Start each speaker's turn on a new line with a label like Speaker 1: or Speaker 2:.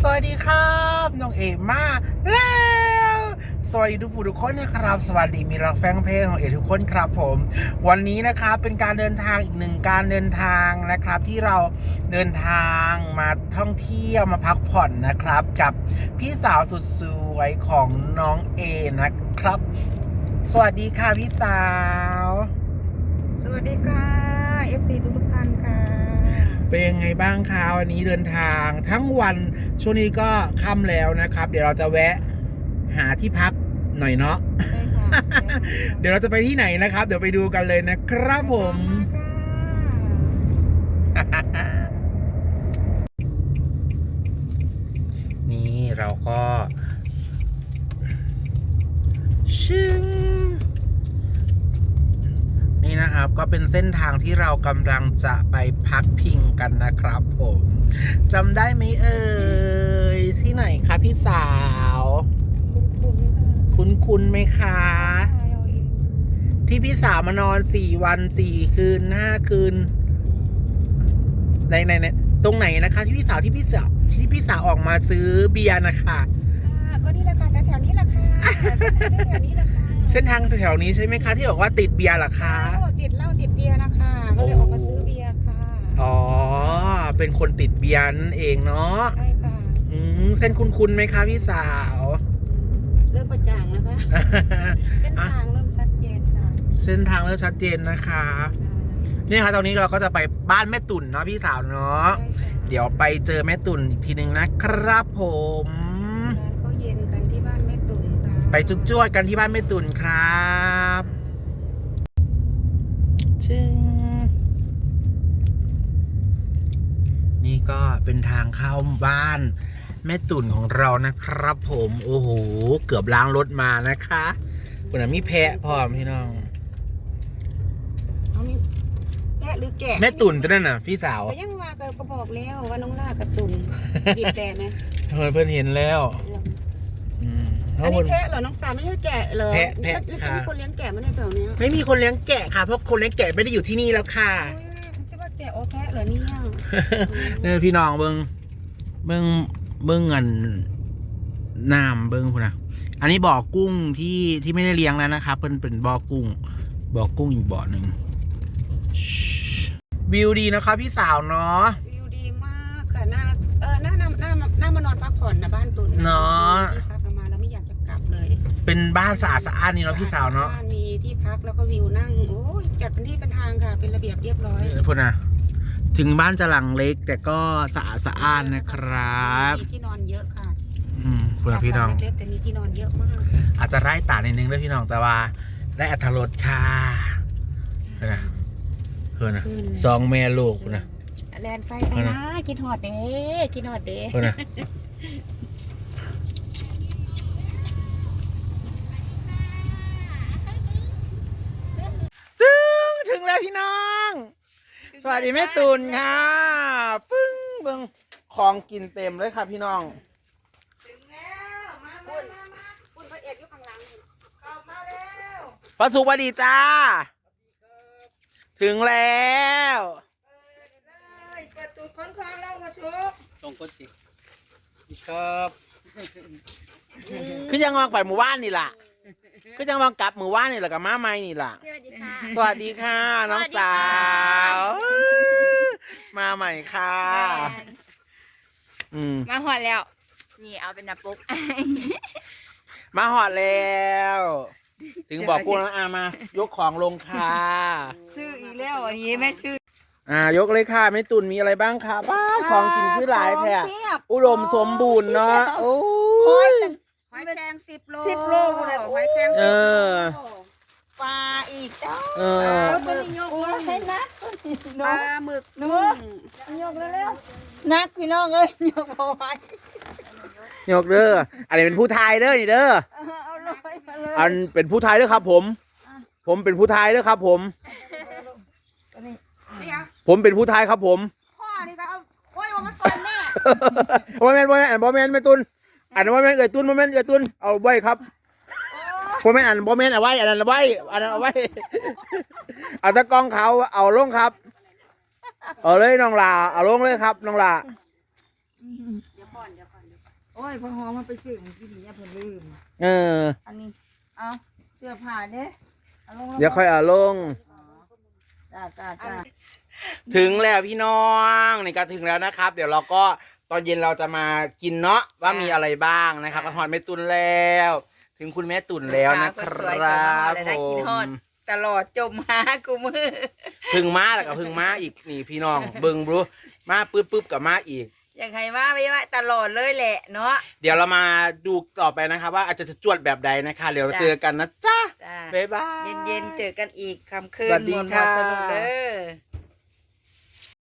Speaker 1: สวัสดีครับน้องเอมาแล้วสวัสดีทุกผู้ทุกคนนะครับสวัสดีมีรักแฟนเพลงของเอทุกคนครับผมวันนี้นะครับเป็นการเดินทางอีกหนึ่งการเดินทางนะครับที่เราเดินทางมาท่องเที่ยวมาพักผ่อนนะครับกับพี่สาวสุดสวยของน้องเอนะครับสวัสดีค่ะพี่สาว
Speaker 2: สวัสดีค่ะ FC ทุกท่านค่ะ
Speaker 1: เป็นยังไงบ้างคะวันนี้เดินทางทั้งวันช่วงนี้ก็ค่ำแล้วนะครับเดี๋ยวเราจะแวะหาที่พักหน่อยเนาะ
Speaker 2: ใช่ค่ะ
Speaker 1: เดี๋ยวเราจะไปที่ไหนนะครับเดี๋ยวไปดูกันเลยนะครับผม นี่เราก็ชึ้งนี่นะครับก็เป็นเส้นทางที่เรากำลังจะไปพักพิงกันนะครับผมจำได้ไหมเอ่ยที่ไหนคะพี่สาวคุ้นไหมคะที่พี่สาวมานอน4 วัน 4 คืน 5 คืนในตรงไหนนะคะที่พี่สาวออกมาซื้อเบียร์นะคะ
Speaker 2: ก็นี่แหละค่ะแถวนี้แหละค่ะแถวนี้แหละค่ะ
Speaker 1: เส้นทางแถวนี้ใช่ไหมคะที่บอกว่าติดเบียร์เหรอคะ
Speaker 2: เขาบอกติดเหล้าติดเบียร์นะคะก็เลยออกมาซื้อเบียร์ค่ะ
Speaker 1: อ๋อเป็นคนติดเบียร์นั่นเองเนาะ
Speaker 2: ใช่ค่ะ
Speaker 1: เส้นคุ้นไหมคะพี่สาว
Speaker 2: เริ่มประจ่างนะคะเส้นทางเริ่มชัดเจนค่ะ
Speaker 1: เส้นทางเริ่มชัดเจนนะคะนี่ค่ะตอนนี้เราก็จะไปบ้านแม่ตุ่นเนาะพี่สาวเนาะเดี๋ยวไปเจอแม่ตุ่นอีกทีนึงนะครับผม
Speaker 2: ร้านเขาเย็นกันที่บ้านแม่ตุ่นค่ะ
Speaker 1: ไปจุ๊จ้วดกันที่บ้านแม่ตุ่นครับชิงนี่ก็เป็นทางเข้าบ้านแม่ตุ่นของเรานะครับผมโอ้โหเกือบล้างรถมานะคะคุณน่ะมีแพะพร้อมพี่น้อง
Speaker 2: แกะหรือแกะ
Speaker 1: แม่ตุ่นตัวนั่นน่ะพี่สาว
Speaker 2: ก็ยังมาก็บอกแล้วว่าน้องล่ากับตุ่นบีบแต่ไหม
Speaker 1: เพื่อนเห็นแล้ว
Speaker 2: อันนี้แพะเหรอน้องสาวไม่ใช่แกะเหรอ
Speaker 1: แพะ
Speaker 2: ค่ะมีคนเลี้ยงแกะไหมในแถวนี้
Speaker 1: ไม่มีคนเลี้ยงแกะค่ะเพราะคนเลี้ยงแกะไม่ได้อยู่ที่นี่แล้วค่ะ
Speaker 2: คิดว่าแกะโอแพะเหรอเนี่ย
Speaker 1: เนี่ยพี่น้องเบิ้งเงินน้ำเบิ้งคุณนะอันนี้บ่อกุ้งที่ไม่ได้เลี้ยงแล้วนะครับเป็นบ่อกุ้งอีกบ่อหนึ่งวิวดีนะครับพี่สาวเนาะ
Speaker 2: วิวดีมากค่ะน่ามานอนพักผ่อนนะบ้านตุน
Speaker 1: เนาะ
Speaker 2: ที่พักมาแล้วไม่อยากจะกลับเลย
Speaker 1: เป็นบ้านสะอาดนี่เนาะพี่สาวเนาะ
Speaker 2: มีที่พักแล้วก็วิวนั่งโอ้ยจัดเป็นที่เป็นทางค่ะเป็นระเบียบเรียบร้อย
Speaker 1: พูดนะถึงบ้านจะหลังเล็กแต่ก็สะอาดนะครับ
Speaker 2: มีที่นอนเยอะค่ะ
Speaker 1: พูดนะพี่น้อง
Speaker 2: เล็กแต่มีที่นอนเยอะมาก
Speaker 1: อาจจะไร้ตานิดนึงด้วยพี่น้องแต่ว่าได้อรรถรสค่ะนะเพื่อนนะสองแม่ลูกนะ
Speaker 2: แลนไฟไปนะกินหอดเด้เพื่อนนะ
Speaker 1: ถึงแล้วพี่น้องสวัสดีแม่ตุ่นค่ะฟึ้งเบิ่งของกินเต็มเลยค่ะพี่น้อง
Speaker 2: ถึงแล้วมาคุณพระเอกอยู่ข้างหลังเข้ามาแล้ว
Speaker 1: พระสุขวัสดีจ้าถึงแล้ว
Speaker 2: เปิดตูดค้อนคลองเล่ามาชุก
Speaker 1: ตรงก้นสิครับคือยังมองไปหมู่บ้านนี่ล่ะก็จะมากลับมือว่านนี่แหละกับม้าไม้นี่แหละสวัสดีค่ะน้องสาวมาใหม่ค่ะ
Speaker 3: มาหอดแล้วนี่เอาเป็นน้ำปุ๊ก
Speaker 1: มาหอดแล้วถึงบอกกูนะมายกของลงค่ะ
Speaker 2: ชื่ออีแล้วอันนี้แม่ชื่
Speaker 1: อยกเลยค่ะแม่ตุ่นมีอะไรบ้างคะบ้าของกินคือหลายแท้อุดมสมบูรณ์เนาะโอ้ย
Speaker 2: หอยแครง10 โลเลยหอยแครง10 โลปลาอีกจ้าตัวนี้ยกให้นักปลาหมึกนุ่มยกแล้วนักพี่น้องเอ้ยยกเอาไว้
Speaker 1: ยกเด้ออันนี้เป็นผู้ไทยเด้อนี่เด้ออันเป็นผู้ไทยเด้อครับผมเป็นผู้ไทยเด้อครับผมเป็นผู้ไทยครับผม
Speaker 2: พ่อนี่ก็เอาโอ้ยว่ามาซอยแม่
Speaker 1: บ่แม่นแม่ตุนอันบ่แม่นเอ่ยตุนบ่แม่นเอ่ยตุนเอาไว้ครับบ่แม่นเอาไว้อันนั้นเอาไว้เอาตะกองเขาเอาลงครับเอาเลยน้องลาเอาลงเลยครับน้องลา
Speaker 2: โอ้ยพอหอมมันไปซื้อมันกินเนี่ยเพิ่นลืม
Speaker 1: เออ
Speaker 2: อันนี้เอาเสื้อผ้าเด้เอาลง
Speaker 1: เดี๋ยวค่อยเอาลง
Speaker 2: จ้า
Speaker 1: ถึงแล้วพี่น้องนี่ก็ถึงแล้วนะครับ เดี๋ยวเราก็ตอนเย็นเราจะมากินเนาะว่ามีอะไรบ้างนะครับกระหอนแม่ตุนแล้ว ถึงคุณแม่ตุนแล้วนะครับผม
Speaker 2: ตลอดจมหากูมือ
Speaker 1: พึ่งมาแล้วก็พึ่งมาอีกนี่พี่น้องเบิ่งบรูมาปึ๊บกับมาอีก
Speaker 2: อย่างไรว่าไม่ว่าตลอดเลยแหละเนาะ
Speaker 1: เดี๋ยวเรามาดูต่อไปนะครับว่าอาจจะจวดแบบใดนะคะเดี๋ยวเจอกันนะจ๊ะ
Speaker 2: จ้า
Speaker 1: บ๊ายบาย
Speaker 2: เย็นๆเจอกันอีกคำคืน
Speaker 1: สวัสดี
Speaker 2: มวล
Speaker 1: ค่ะ
Speaker 2: สนุกเด้อ